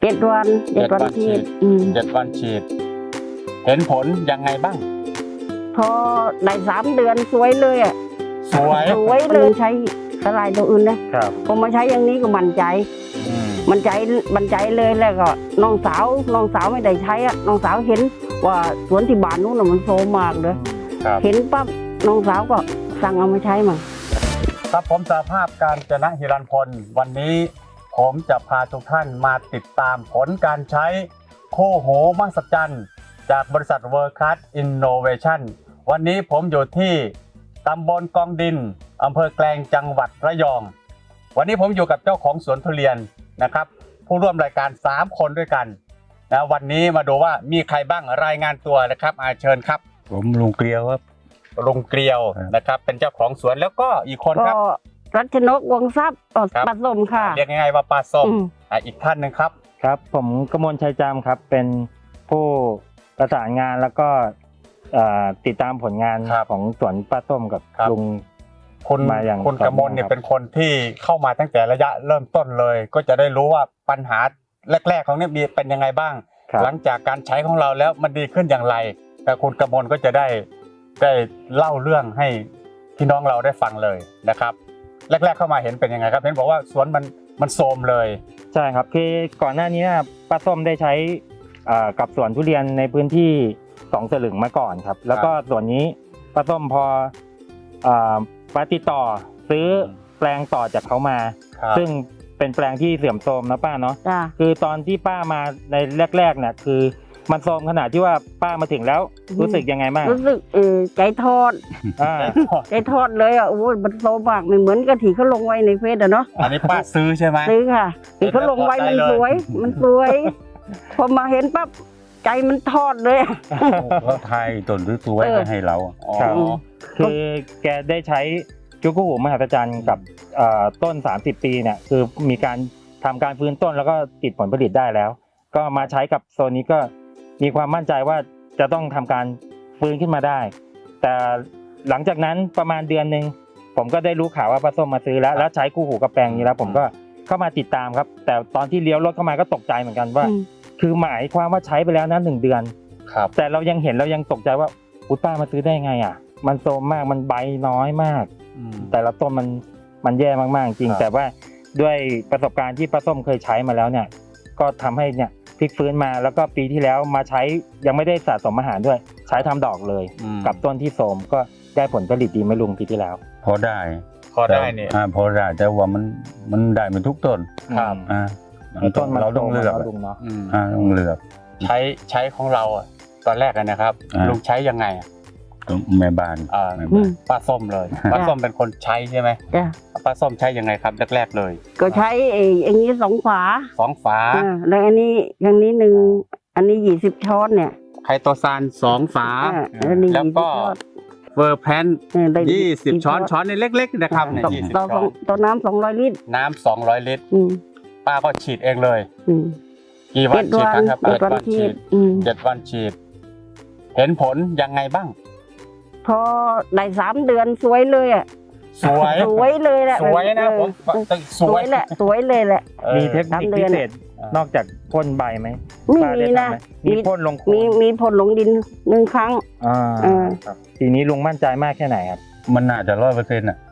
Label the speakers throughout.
Speaker 1: 7 วันฉีด
Speaker 2: 7 วันฉีดเห็นผลยังไงบ้าง
Speaker 1: พอได้3 เดือนสวยเลยอ่ะ
Speaker 2: สวย
Speaker 1: เลยใช้สลายตัวอื่นนะครับพอมาใช้อย่างนี้ก็มั่นใจเลยแล้วก็น้องสาวไม่ได้ใช้อ่ะน้องสาวเห็นว่าสวนที่บ้านนู้นมันโซมมากเลยเห็นปั๊บน้องสาวก็สั่งเอามาใช้มา
Speaker 2: ครับผมสหภาพการจนะฮิรัญพลวันนี้ผมจะพาทุกท่านมาติดตามผลการใช้โคโหมหัศจรรย์จากบริษัท World Class Innovation วันนี้ผมอยู่ที่ตำบลกองดินอำเภอแกลงจังหวัดระยองวันนี้ผมอยู่กับเจ้าของสวนทุเรียนนะครับผู้ร่วมรายการ3 คนด้วยกันนะวันนี้มาดูว่ามีใครบ้างรายงานตัวนะครับเชิญครับ
Speaker 3: ผมลุงเกลียวครับ
Speaker 2: ลุงเกลียวนะครับเป็นเจ้าของสวนแล้วก็อีกคนครับ
Speaker 1: รัชนกวงทรัพย์ปลาส้มค่ะ
Speaker 2: เรียกง่ายๆว่าปลาส้มอีกท่านหนึ่งครับ
Speaker 4: ครับผมกมลชัยจามครับเป็นผู้ประสานงานแล้วก็ติดตามผลงานของสวนปลาส้มกับลุง
Speaker 2: คุณมาอย่างคุณกมลเนี่ยเป็นคนที่เข้ามาตั้งแต่ระยะเริ่มต้นเลยก็จะได้รู้ว่าปัญหาแรกๆของเนี่ยมีเป็นยังไงบ้างหลังจากการใช้ของเราแล้วมันดีขึ้นอย่างไรแต่คุณกมลก็จะได้เล่าเรื่องให้พี่น้องเราได้ฟังเลยนะครับแรกๆเข้ามาเห็นเป็นยังไงครับเห็นบอกว่าสวนมันโทรมเลย
Speaker 4: ใช่ครับคือก่อนหน้านี้ป้าส้มได้ใช้กับสวนทุเรียนในพื้นที่2 สลึงมาก่อนครับแล้วก็ส่วนนี้ป้าส้มพอป้าติดต่อซื้อแปลงต่อจากเขามาซึ่งเป็นแปลงที่เสื่อมโทรมนะป้าเนาะคือตอนที่ป้ามาในแรกๆเนี่ยคือมันโทรมขนาดที่ว่าป้ามาถึงแล้วรู้สึกยังไงบ้าง
Speaker 1: รู้สึกใจทอดเลยอ่ะโอ้ยมันโทรมมากเหมือนกะทิเขาลงไว้ในเฟซอะเนาะ
Speaker 2: อันนี้ป้าซื้อใช่ไหม
Speaker 1: ซื้อค่ะที่เขาลงไว้มันสวยพอมาเห็นปั๊บใจมันทอดเลย
Speaker 3: เขาไทยต้นสวยๆให้เรา
Speaker 4: คือแกได้ใช้จุกุหูมหัศจรรย์กับต้น30 ปีเนี่ยคือมีการทำการฟื้นต้นแล้วก็ติดผลผลิตได้แล้วก็มาใช้กับโซนนี้ก็มีความมั่นใจว่าจะต้องทำการฟื้นขึ้นมาได้แต่หลังจากนั้นประมาณเดือนนึงผมก็ได้รู้ข่าวว่าป้าส้มมาซื้อแล้วใช้คู่หูกับแปลงนี้แล้วผมก็เข้ามาติดตามครับแต่ตอนที่เลี้ยวรถเข้ามาก็ตกใจเหมือนกันว่าคือหมายความว่าใช้ไปแล้วนะ1 เดือนแต่เรายังเห็นเรายังตกใจว่าอุ๊ยป้ามาซื้อได้ไงอ่ะมันโทรมมากมันใบน้อยมากแต่ละต้นมันแย่มากๆจริงแต่ว่าด้วยประสบการณ์ที่ป้าส้มเคยใช้มาแล้วเนี่ยก็ทำให้เนี่ยพลิกฟื้นมาแล้วก็ปีที่แล้วมาใช้ยังไม่ได้สะสมอาหารด้วยใช้ทำดอกเลยกับต้นที่โทรมก็ได้ผลผลิตดีไหมลุงปีที่แล้ว
Speaker 3: พอได้
Speaker 2: เนี่ย
Speaker 3: พอได้แต่ว่ามันได้ไม่ทุกต้น
Speaker 4: ครับ
Speaker 3: ต้นเราต้องเลือก
Speaker 4: ลุงเนาะ
Speaker 3: ต้องเลือก
Speaker 2: ใช้ของเราตอนแรกนะครับลุงใช้ยังไง
Speaker 3: แม่บ้าน
Speaker 2: ป้าส้มเลยป้าส้มเป็นคนใช้ใช่ไหมป้าส้มใช้ยังไงครับแรกๆเลย
Speaker 1: ก็ใช้อย่างนี้2 ฝาแล้วอันนี้อย่างนี้1อันนี้20 ช้อนเนี่ย
Speaker 2: ไคโตซาน2 ฝาแล้วก็เวอร์แพน20 ช้อนในเล็กๆนะครับเนี่ย20 ช้อน
Speaker 1: ต่อน้ำ200 ลิตร
Speaker 2: น้ำ200 ลิตรป้าก็ฉีดเองเลยกี่วันฉีดครับ7 วันฉีด7 วันฉีดเห็นผลยังไงบ้าง
Speaker 1: พอได้3 เดือนสวยเลยอ่ะ
Speaker 2: สวย
Speaker 1: เลยแหละ
Speaker 2: สวยนะผม
Speaker 1: สวยเลยแหละ
Speaker 4: มีเทคนิคพิเศษนอกจากพ่นใบไหม
Speaker 1: มีนะ
Speaker 4: มีพ่นลง
Speaker 1: มีพ่นลงดิน1 ครั้ง
Speaker 4: ทีนี้ลุงมั่นใจมากแค่ไหนครับ
Speaker 3: มันน่าจะ100%อ่ะ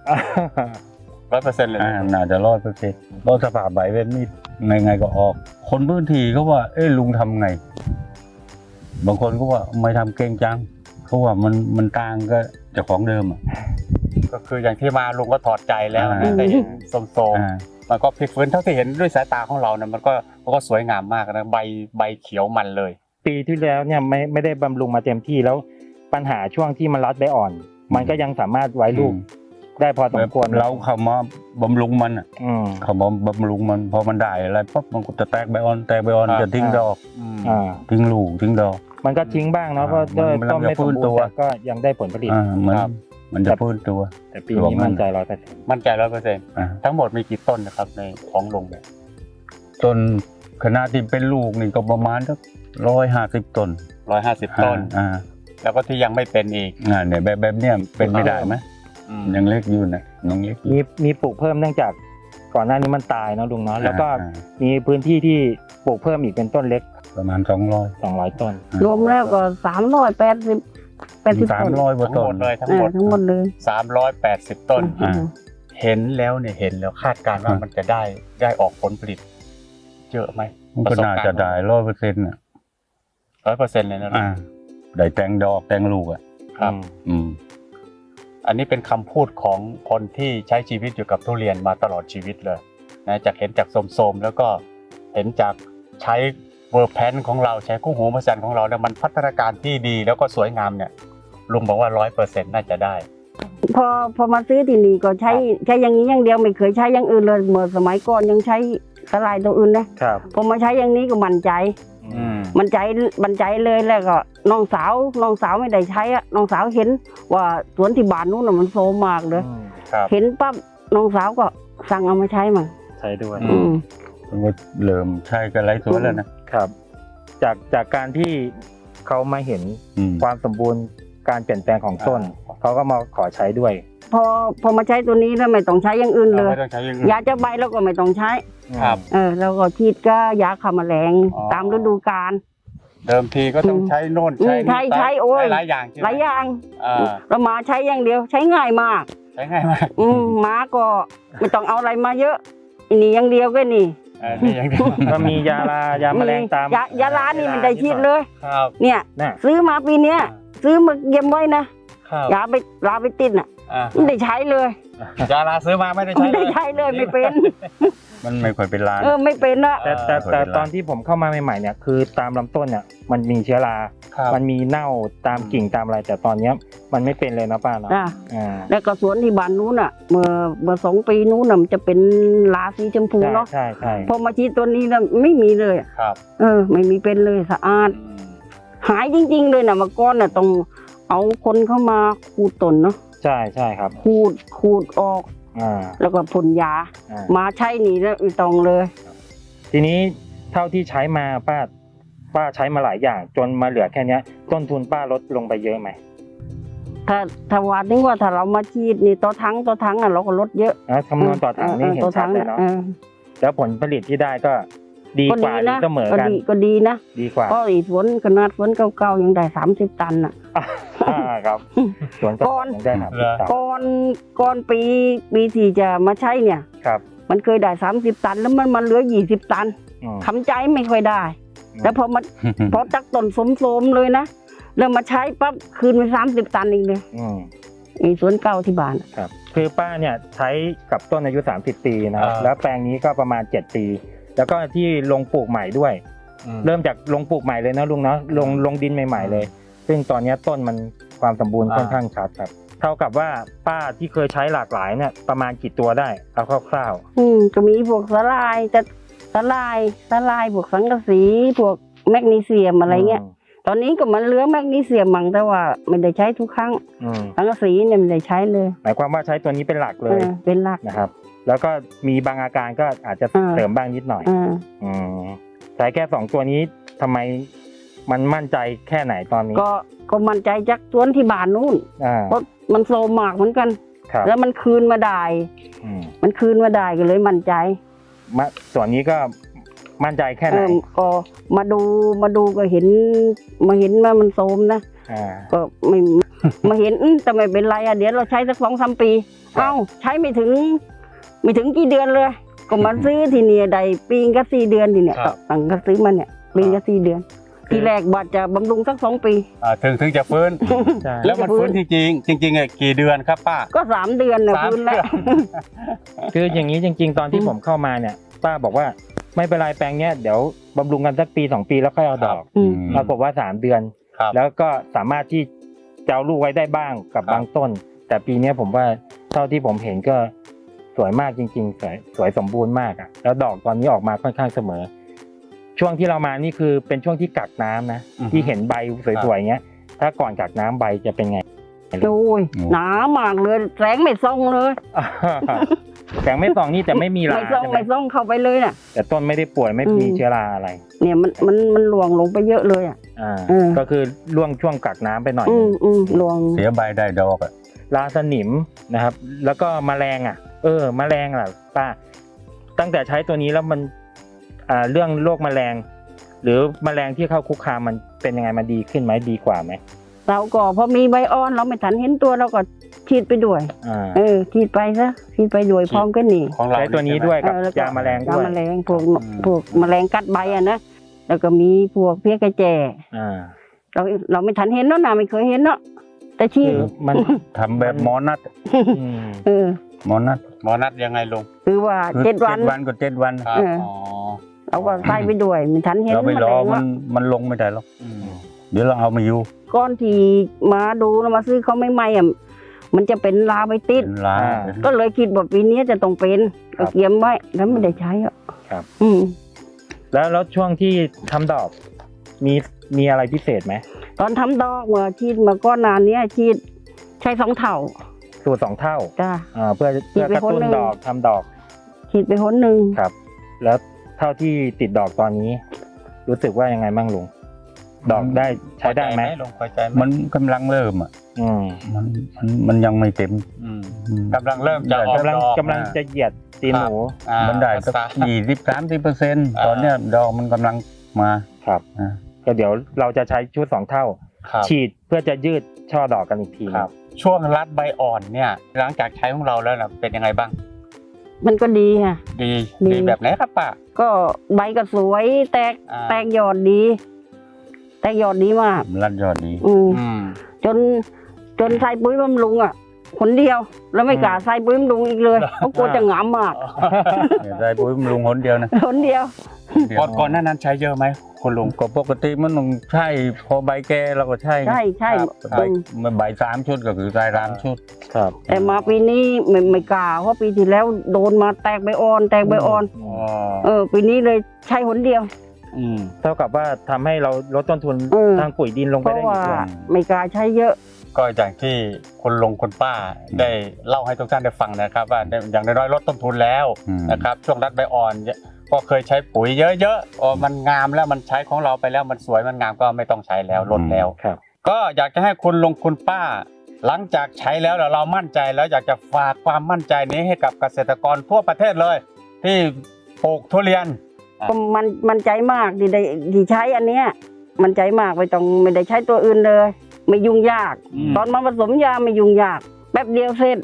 Speaker 2: 100%เลย
Speaker 3: น่าจะ100%เพราะสภาพใบเป็นมีไงก็ออกคนพื้นที่เขาว่าลุงทำไงบางคนก็ว่าไม่ทำเก่งจังเขาว่ามันต่างก็เจ้าของเดิม
Speaker 2: ก็คืออย่างที่มาลุงก็ถอดใจแล้วแต่เห็นโสมมันก็พลิกฟื้นเท่าที่เห็นด้วยสายตาของเราเนี่ยมันก็สวยงามมากนะใบเขียวมันเลย
Speaker 4: ปีที่แล้วเนี่ยไม่ได้บำรุงมาเต็มที่แล้วปัญหาช่วงที่มันรัดใบอ่อนมันก็ยังสามารถไว้ลูกได้พอสมควร
Speaker 3: เราเข้ามาบำรุงมันเขามาบำรุงมันพอมันได้อะไรปุ๊บมันก็จะแตกใบอ่อนจะทิ้งดอกทิ้งลูกทิ้งดอก
Speaker 4: มันก็ทิ้งบ้างเนาะเพราะด้วยต้นไม่สมบูรณ์แต่ก็ยังได้ผลผลิต
Speaker 3: มันจะฟื้นตัว
Speaker 4: แต่ปีนี้มั่นใจ
Speaker 2: 100%ทั้งหมดมีกี่ต้นนะครับในของลุงเนี่ย
Speaker 3: ต้นขนาดที่เป็นลูกนี่ก็ประมาณสัก150 ต้น
Speaker 2: 150 ต้นแล้วก็ที่ยังไม่เป็นอีก
Speaker 3: เนี่ยแบบเนี้ยเป็นไม่ได้ไหมยังเล็กอยู่นะน้องเล็ก
Speaker 4: มีปลูกเพิ่มเนื่องจากก่อนหน้านี้มันตายเนาะลุงเนาะแล้วก็มีพื้นที่ที่ปลูกเพิ่มอีกเป็นต้นเล็ก
Speaker 3: ประมาณ
Speaker 4: 200 ต้น
Speaker 1: รวมแล้วก็380 ต้น
Speaker 3: 300กว่า
Speaker 2: ทั้ง
Speaker 3: ต้
Speaker 2: หม
Speaker 3: น
Speaker 2: ดเลยทั้ง
Speaker 1: เอ
Speaker 2: หม
Speaker 1: อ
Speaker 2: ด
Speaker 1: ทั้งหมดเลย
Speaker 2: 380 ต้น
Speaker 3: อ่า
Speaker 2: เห็นแล้วคาดการณ์ว่ามันจะได้ออกผลผลิตเยอะไหม
Speaker 3: มันก็น่าจะได้100%อ่ะ
Speaker 2: 100%เลยนะลุง
Speaker 3: ได้แตงดอกแตงลูกอ่ะ
Speaker 2: ครับ
Speaker 3: อืม
Speaker 2: อันนี้เป็นคำพูดของคนที่ใช้ชีวิตอยู่กับทุเรียนมาตลอดชีวิตเลยนะจากเห็นจากโสมๆแล้วก็เห็นจากใช้เวอร์แพนของเราใช้คู่หูมหัศจรรย์ของเราเนี่ยมันพัฒนาการที่ดีแล้วก็สวยงามเนี่ยลุงบอกว่า 100% น่าจะได้
Speaker 1: พอมาซื้อที่นี่ก็ใช้อย่างนี้อย่างเดียวไม่เคยใช้อย่างอื่นเลยเมื่อสมัยก่อนยังใช้สลายตัวอื่นนะครับ พอมาใช้อย่างนี้ก็มั่นใจ มั่นใจเลยแล้วก็น้องสาวไม่ได้ใช้อะน้องสาวเห็นว่าสวนที่บ้านนู้นน่ะมันโซมมากเลย
Speaker 2: ครับ
Speaker 1: เห็นปั๊บน้องสาวก็สั่งเอามาใช้มั่ง
Speaker 4: ใช้ด้วย
Speaker 2: อื
Speaker 3: มันก็เริ่มใช้กันหลายสวนแล้วนะครับ
Speaker 4: จากการที่เขามาเห็น
Speaker 3: อืม
Speaker 4: ความสมบูรณ์การเปลี่ยนแปลงของต้น เขาก็มาขอใช้ด้วย
Speaker 1: พอมาใช้ตัวนี้แล้วไม่ต้องใช้อย่างอื่นเลย
Speaker 2: ไม่ต้องใช้อย่างอื่น
Speaker 1: ยาจะใบเราก็ไม่ต้องใช้
Speaker 2: ครับ
Speaker 1: แล้วก็ฉีดก็ยาฆ่าแมลง
Speaker 2: อ๋อ
Speaker 1: ตามฤดูกาล
Speaker 2: เดิมทีก็ต้องใช้โน่น
Speaker 1: อืม
Speaker 2: ใช้นี่
Speaker 1: ใช้โอ้ย
Speaker 2: หลายอย่างใช่ไหม
Speaker 1: หลายอย่าง
Speaker 2: อ่า
Speaker 1: เรามาใช้อย่างเดียวใช้ง่ายมาก
Speaker 2: ใช้ง่ายมาก
Speaker 1: ม้าก็ไม่ต้องเอาอะไรมาเยอะอันนี้อย่างเดียวก็นี่
Speaker 2: นี่อย่างเดียว
Speaker 4: ก็มียาแมลงตาม
Speaker 1: ยาลานี่มันได้ฉีดเลย
Speaker 2: ครับ
Speaker 1: เนี่ย
Speaker 4: น่ะ
Speaker 1: ซื้อมาปีเนี้ยซื้อมาเก็บไว้นะครับ ยาไปติดน่ะ
Speaker 2: อ่า
Speaker 1: ไม่ได้ใช้เลย
Speaker 2: ยาลาซื้อมาไม่ได้ใช้
Speaker 1: ไม่
Speaker 2: เล
Speaker 1: ได้
Speaker 2: ย
Speaker 1: ใช้เลยไม่เป็น
Speaker 3: มันไม่ค่อยเป็นลาน
Speaker 1: ไม่เป็นอะ
Speaker 4: แต่ตอนที่ผมเข้ามาใหม่ๆเนี่ยคือตามลำต้นเนี่ยมันมีเชื้อรา
Speaker 2: ครับ
Speaker 4: มันมีเน่าตามกิ่งตามอะไร แต่ตอนเนี้ยมันไม่เป็นเลยนะป้าเนาะ
Speaker 1: จ้ะ
Speaker 4: อ่า
Speaker 1: แล้วก็สวนที่บ้านนู้นน่ะเมื่อ2 ปีนู้นน่ะมันจะเป็นลาสีชมพูเนาะ
Speaker 4: ใช่ใช่
Speaker 1: พอมาฉีดตัวนี้แล้วไม่มีเลยอะ
Speaker 2: ครับ
Speaker 1: ไม่มีเป็นเลยสะอาด หายจริง ๆ เลยนะเมื่อก่อนน่ะต้องเอาคนเข้ามาขูดต้นเนาะ
Speaker 4: ใช่ใช่ครับ
Speaker 1: ขูดออก
Speaker 4: อ่า
Speaker 1: แล้วก็พ่นยา
Speaker 4: อ่า
Speaker 1: มาใช้นี่แล้วไม่ต้องเลย
Speaker 4: ทีนี้เท่าที่ใช้มาป้าใช้มาหลายอย่าง จนมาเหลือแค่เนี้ย ต้นทุนป้าลดลงไปเยอะไหม
Speaker 1: ถ้าว่าถึงว่าถ้าเรามาฉีดนี่ต่อทั้งอ่ะเราก็ลดเยอะ
Speaker 4: นะคำนวณต่อถังนี่เห็นชัดเลยเนาะแล้วผลผลิตที่ได้ก็ดีกว่าหรือเสมอกัน
Speaker 1: ก็ดีนะ
Speaker 4: ดีกว่า
Speaker 1: เพราะอีสวนขนาดสวนเก่าๆยังได้30 ตันอ่ะ
Speaker 4: ครับสวนก็ยังได้ครับ
Speaker 1: ก่อนปีที่จะมาใช้เนี่ย
Speaker 4: ครับ
Speaker 1: มันเคยได้30 ตันแล้วมันมาเหลือ20 ตัน
Speaker 4: อืม
Speaker 1: ทำใจไม่ค่อยได้ แล้วพอจักต้นสมๆเลยนะแล้วมาใช้ปั๊บคืนไป30 ตันเองเลย
Speaker 4: อืม
Speaker 1: ไอ้สวนเก่าที่บ้านอะ
Speaker 4: ครับคือป้าเนี่ยใช้กับต้นอายุ30 ปีนะครับ
Speaker 2: อ่า
Speaker 4: แล้วแปลงนี้ก็ประมาณ7 ปี แล้วก็ที่ลงปลูกใหม่ด้วย เริ่มจากลงปลูกใหม่เลยนะลุงเนาะลงดินใหม่ๆเลย ซึ่งตอนนี้ต้นมันความสมบูรณ์ค่อนข้างชัดครับ เท่ากับว่าป้าที่เคยใช้หลากหลายเนี่ยประมาณกี่ตัวได้เอาคร่าว
Speaker 1: ก็มีพวกสลายแต่สลายพวกสังกะสีพวกแมกนีเซียม
Speaker 4: ๆ
Speaker 1: อะไรเงี้ย ตอนนี้ก็มันเหลือแมกนีเซียมมั่งแต่ว่าไม่ได้ใช้ทุกครั้ง
Speaker 4: อืม
Speaker 1: สังกะสีเนี่ยไม่ได้ใช้เลย
Speaker 4: หมายความว่าใช้ตัวนี้เป็นหลักเลย
Speaker 1: เป็นหลัก
Speaker 4: นะครับ แล้วก็มีบางอาการก็อาจจะ
Speaker 1: อ่า
Speaker 4: เสริมบ้างนิดหน่อย อืมใช้แค่2 ตัวนี้ทำไมมันมั่นใจแค่ไหนตอนนี้
Speaker 1: ก็มั่นใจจากสวนที่บ้านนู้น
Speaker 4: อ่า
Speaker 1: เพราะมันโซมมากเหมือนกัน
Speaker 4: ครับ
Speaker 1: แล้วมันคืนมาได้
Speaker 4: อืม
Speaker 1: มันคืนมาได้ก็เลยมั่นใจ
Speaker 4: ส่วนนี้ก็มั่นใจแค่ไหน
Speaker 1: ก็มาดูก็เห็นว่ามันโซมนะ
Speaker 4: อ่า
Speaker 1: ก็ไม่ มาเห็นแต่ไม่เป็นไรเดี๋ยวเราใช้สัก2-3 ปี ใช้ไม่ถึงกี่เดือนเลย ก็มาซื้อทีเนี่ยได้ปีก็4 เดือนทีเนี่ย
Speaker 2: ครับ
Speaker 1: ตั้งก็ซื้อมาเนี่ยปีก็4 เดือน ทีแรกบัดจะบำรุงสัก2 ปี
Speaker 2: ถึงจะฟื้น
Speaker 4: ใช่
Speaker 2: แล้วมันฟื้นจริงๆกี่เดือนครับป้า
Speaker 1: ก็3 เดือนนะ
Speaker 2: 3
Speaker 1: ฟื้นแล้ว
Speaker 4: คืออย่างนี้จริง ๆ ตอนที่
Speaker 1: อืม
Speaker 4: ผมเข้ามาเนี่ยป้าบอกว่าไม่เป็นไรแปลงเนี้ยเดี๋ยวบำรุงกันสักปี2 ปีแล้วค่อยเอาดอก
Speaker 1: อืม
Speaker 4: ปรากฏว่า3 เดือน
Speaker 2: ครับ
Speaker 4: แล้วก็สามารถที่จะเอาลูกไว้ได้บ้างกับ
Speaker 2: ครับ
Speaker 4: บางต้น แต่ปีเนี้ยผมว่าเท่าที่ผมเห็นก็สวยมากจริงๆสวยสมบูรณ์มากอ่ะแล้วดอกตอนนี้ออกมาค่อนข้างเสมอ ช่วงที่เรามานี่คือเป็นช่วงที่กักน้ำนะ
Speaker 2: อือฮึ
Speaker 4: ที่เห็นใบสวยๆอย่างเงี้ย ถ้าก่อนกักน้ำใบจะเป็นไง
Speaker 1: โอ้ยหนามากเลยแสงไม่ส่องเลย
Speaker 4: แสงไม่ส่องนี่แต่ไม่มีรา
Speaker 1: ไม่ส่อง
Speaker 4: ใช่ไหม
Speaker 1: ไม่ส่องเข้าไปเลยน่ะ
Speaker 4: แต่ต้นไม่ได้ป่วยไม่มีเชื้อราอะไร
Speaker 1: เนี่ยมันหลวงลงไปเยอะเลยอ่ะ
Speaker 4: อ่า
Speaker 1: เออ
Speaker 4: ก็คือล่วงช่วงกักน้ำไปหน่อยนึง
Speaker 1: หลวง
Speaker 3: เสียใบได้ดอกอ่ะ
Speaker 4: ราสนิมนะครับ แล้วก็แมลงแมลงล่ะป้าตั้งแต่ใช้ตัวนี้แล้วมันเรื่องโรคแมลง หรือแมลงที่เข้าคุกคามมันเป็นยังไงมันดีขึ้นไหมดีกว่าไหม
Speaker 1: เราก็พอมีใบอ่อนเราไม่ทันเห็นตัวเราก็ฉีดไปด้วยฉีดไปซะฉีดไปด้วยพร้อมกันนี่
Speaker 2: ของเรา
Speaker 4: ใช้ตัวนี้ด้วยกับยาแมลงด้วย
Speaker 1: ยาแมลงพวกแมลงกัดใบอะนะแล้วก็มีพวกเพี้ยกระแจเราไม่ทันเห็นเนาะนะไม่เคยเห็นเนาะแต่ฉีด
Speaker 4: มัน
Speaker 3: ทำแบบหมอนัด หมอนัด
Speaker 2: ยังไงลุง
Speaker 1: คือว่า 7 วัน
Speaker 3: 7 วันก็7 วัน
Speaker 2: ครับอ๋อ
Speaker 1: เราก็ใส่ไปด้วยไม่ทันเห็น
Speaker 3: เราไป
Speaker 1: แม
Speaker 3: ร
Speaker 1: ล
Speaker 3: อง
Speaker 1: ว่า
Speaker 3: มันลงไม่ได้หรอกเดี๋ยวเราเอามาอยู่
Speaker 1: ก้อนที่มาดูแล้วมาซื้อเขาไม่ไหมอ่ะมันจะเป็นลาใบติด
Speaker 3: เป็นล้า
Speaker 1: ก็เลยคิดว่าปีนี้จะต้องเป็นก็เกียมไว้แล้วไม่ได้ใช้อ่ะ
Speaker 4: ครับ
Speaker 1: แล้ว
Speaker 4: ช่วงที่ทำดอกมีอะไรพิเศษไหม
Speaker 1: ตอนทำดอกเมื่อฉีดมาก้อนนานเนี้ยฉีดใช้2 เท่า
Speaker 4: สูตร2 เท่า
Speaker 1: จ้า
Speaker 4: เพื่อกระตุ้นดอกทำดอก
Speaker 1: ฉีดไปหนหนึ่ง
Speaker 4: ครับ แล้วเท่าที่ติดดอกตอนนี้ รู้สึกว่ายังไงบ้างลุงดอกได้ใช้ได้ไหม
Speaker 2: ลุงพอใจไหม
Speaker 3: มันกำลังเริ่มอ่ะมันยังไม่เต็ม
Speaker 2: กำลังเริ่มจะออก
Speaker 4: กำลัง
Speaker 2: ดอก
Speaker 4: กำลังจะเหยียดตีนหนู
Speaker 3: มันได้สัก20-30%ตอนเนี้ยดอกมันกำลังมา
Speaker 4: ครับก็เดี๋ยวเราจะใช้ชุด2 เท่า
Speaker 2: ครับ
Speaker 4: ฉีดเพื่อจะยืดช่อดอกกันอีกที
Speaker 2: ครับ ช่วงรัดใบอ่อนเนี่ย หลังจากใช้ของเราแล้วนะเป็นยังไงบ้าง
Speaker 1: มันก็ดีค่ะ
Speaker 2: ดี
Speaker 1: ดี
Speaker 2: ดีแบบไหนครับป้า
Speaker 1: ก็ใบก็สวยแตกยอดดี แตกยอดดีมาก
Speaker 3: รัดยอดดี
Speaker 1: จนใส่ปุ๋ยบำรุงอ่ะคนเดียวแล้วไม่กล้าใส่ปุ๋ยบำรุงอีกเลยเพราะกลัวจะหงามมาก
Speaker 3: ได้ปุ๋ยบำรุงหนเดียวนะ
Speaker 1: คนเดียว
Speaker 2: ก่อนหน้านั้นใช้เยอะไหมคุณลุง
Speaker 3: ก็ปกติมันต้องใช่พอใบแก่เราก็ใช่
Speaker 1: ใช่
Speaker 3: ใบ3 ชุดก็คือใส่3 ชุด
Speaker 4: ครับ
Speaker 1: แต่มาปีนี้ไม่กล้าเพราะปีที่แล้วโดนมาแตกใบอ่อนปีนี้เลยใช้หนเดียว
Speaker 4: เท่ากับว่าทำให้เราลดต้นทุนทางปุ๋ยดินลง
Speaker 1: เพ
Speaker 4: ไป
Speaker 1: ราะ
Speaker 4: ได้อี
Speaker 1: ว่าก
Speaker 4: ด้วย
Speaker 1: ไม่กล้าใช้เยอะ
Speaker 2: ก็อย่างที่คุณลุงคุณป้าได้เล่าให้ทุกท่านได้ฟังนะครับว่าอย่างน้อยๆลดต้นทุนแล้วนะครับช่วงรัดใบอ่อนก็เคยใช้ปุ๋ยเยอะๆมันงามแล้วมันใช้ของเราไปแล้วมันสวยมันงามก็ไม่ต้องใช้แล้วลดแล้ว
Speaker 4: ครับ
Speaker 2: ก็อยากจะให้คุณลุงคุณป้า หลังจากใช้แล้วเรามั่นใจแล้วอยากจะฝากความมั่นใจนี้ให้กับเกษตรกรทั่วประเทศเลย ที่ปลูกทุเรียน
Speaker 1: ก็มันใจมากที่ใช้อันเนี้ยมันใจมากไม่ได้ใช้ตัวอื่นเลย ไม่ยุ่งยาก ตอนมาผสมยาไม่ยุ่งยากแป๊บเดียวเสร็จ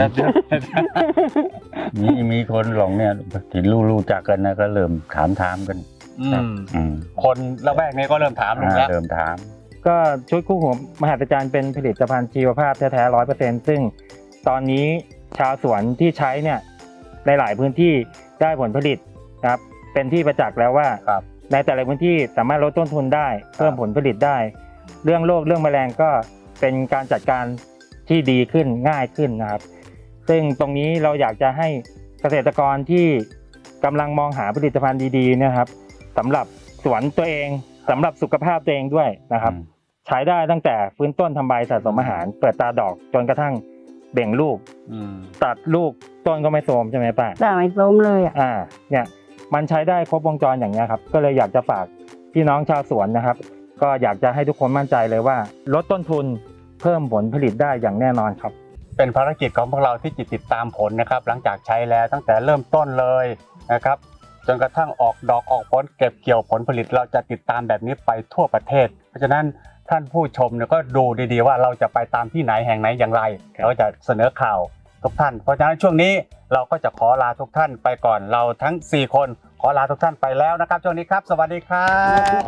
Speaker 3: มีคนหลงเนี่ยที่รู้จักกันนะก็เริ่มถามกัน
Speaker 2: คนละแวกนี้ก็เริ่มถามลุงแล้ว
Speaker 3: เริ่มถาม
Speaker 4: ก็ชุดคู่หูมหัศจรรย์เป็นผลิตภัณฑ์ชีวภาพแท้ๆ 100%ซึ่งตอนนี้ชาวสวนที่ใช้เนี่ยในหลายพื้นที่ได้ผลผลิตครับเป็นที่ประจักษ์แล้วว่าในแต่ละพื้นที่สามารถลดต้นทุนได้เพิ่มผลผลิตได้ เรื่องโรคเรื่องแมลงก็เป็นการจัดการที่ดีขึ้นง่ายขึ้นนะครับซึ่งตรงนี้เราอยากจะให้เกษตรกรที่กำลังมองหาผลิตภัณฑ์ดีๆนะครับสำหรับสวนตัวเองสำหรับสุขภาพตัวเองด้วยนะครับใช้ได้ตั้งแต่ฟื้นต้นทำใบสะสมอาหารเปิดตาดอกจนกระทั่งเบ่งลูกตัดลูกต้นก็ไม่โทรมใช่ไหมป้า
Speaker 1: ได้ไม่โทรมเลยอ่ะ
Speaker 4: เนี่ยมันใช้ได้ครบวงจรอย่างนี้ครับก็เลยอยากจะฝากพี่น้องชาวสวนนะครับก็อยากจะให้ทุกคนมั่นใจเลยว่าลดต้นทุนเพิ่มผลผลิตได้อย่างแน่นอนครับ
Speaker 2: เป็นภารกิจของพวกเราที่ติดตามผลนะครับหลังจากใช้แล้วตั้งแต่เริ่มต้นเลยนะครับจนกระทั่งออกดอกออกผลเก็บเกี่ยวผลผลิตเราจะติดตามแบบนี้ไปทั่วประเทศเพราะฉะนั้นท่านผู้ชมเนี่ยก็ดูดีๆว่าเราจะไปตามที่ไหนแห่งไหนอย่างไรเราจะเสนอข่าวทุกท่านเพราะฉะนั้นช่วงนี้เราก็จะขอลาทุกท่านไปก่อนเราทั้ง4คนขอลาทุกท่านไปแล้วนะครับช่วงนี้ครับสวัสดีครับ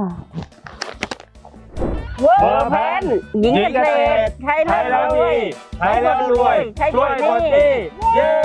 Speaker 1: เวอร์แพนหญิงเกษตรใช้แล้วรวย
Speaker 2: ใช้แล้วรวยช่วยคนดีเย้